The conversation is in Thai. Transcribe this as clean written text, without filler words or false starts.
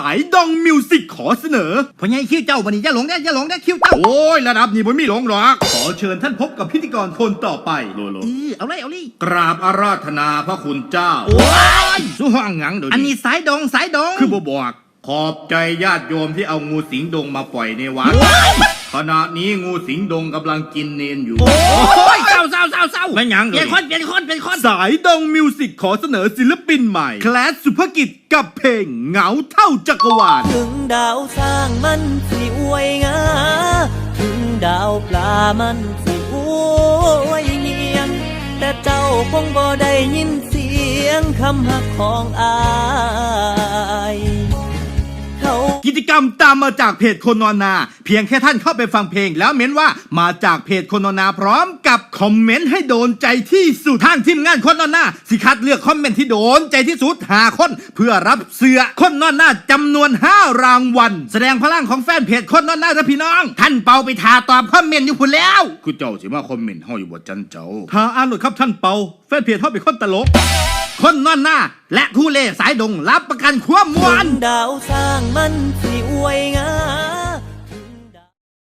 ายดองมิวสิกขอเสนอพอไงคิวเจ้าบันนี้อย่าหลงนะคิวเจ้าโอ้ยระดับนี้ผมไม่หลงหรอกขอเชิญท่านพบกับพิธีกรคนต่อไปโลเอาเลยกราบอาราธนาพระคุณเจ้าโอ้ยสู้ห้องหยังเดี๋ยวอันนี้นี้สายดงคือบอกขอบใจญาติโยมที่เอางูสิงดงมาปล่อยในวัดขณะนี้งูสิงดงกำลังกินเนนอยู่โอ้ยเศร้าไม่หยังเปลี่ยนคนสายดองมิวสิกขอเสนอศิลปินใหม่แคลสสุภกิจกับเพลงเหงาเท่าจักรวาลถึงดาวสร้างมันสิอวยงาถึงดาวปลามันสิอวยเงียงแต่เจ้าคงบ่ได้ยินเสียงคำหักของอายเขากิจกรรมตามมาจากเพจคนนอนนา เพียงแค่ท่านเข้าไปฟังเพลงแล้วเม้นว่ามาจากเพจคนนอนนาพร้อมกับคอมเมนต์ให้โดนใจที่สุดทางทีมงานคนนอนนาสิคัดเลือกคอมเมนต์ที่โดนใจที่สุด5 คนเพื่อรับเสื้อคนนอนนาจำนวน5 รางวัลแสดงพลังของแฟนเพจคนนอนนานะพี่น้องท่านเปาไปทาตอบคอมเมนต์อยู่พุ่นแล้วคุณเจ้าสิมาคอมเมนต์เฮาอยู่บ่จันเจ้าถ้าอ่านหลุดครับท่านเปาแฟนเพจเฮาเป็นคนตลกคนนอนนาและผู้เล่สายดงรับประกันความม่วนดาวสร้างมันสิอวยงาม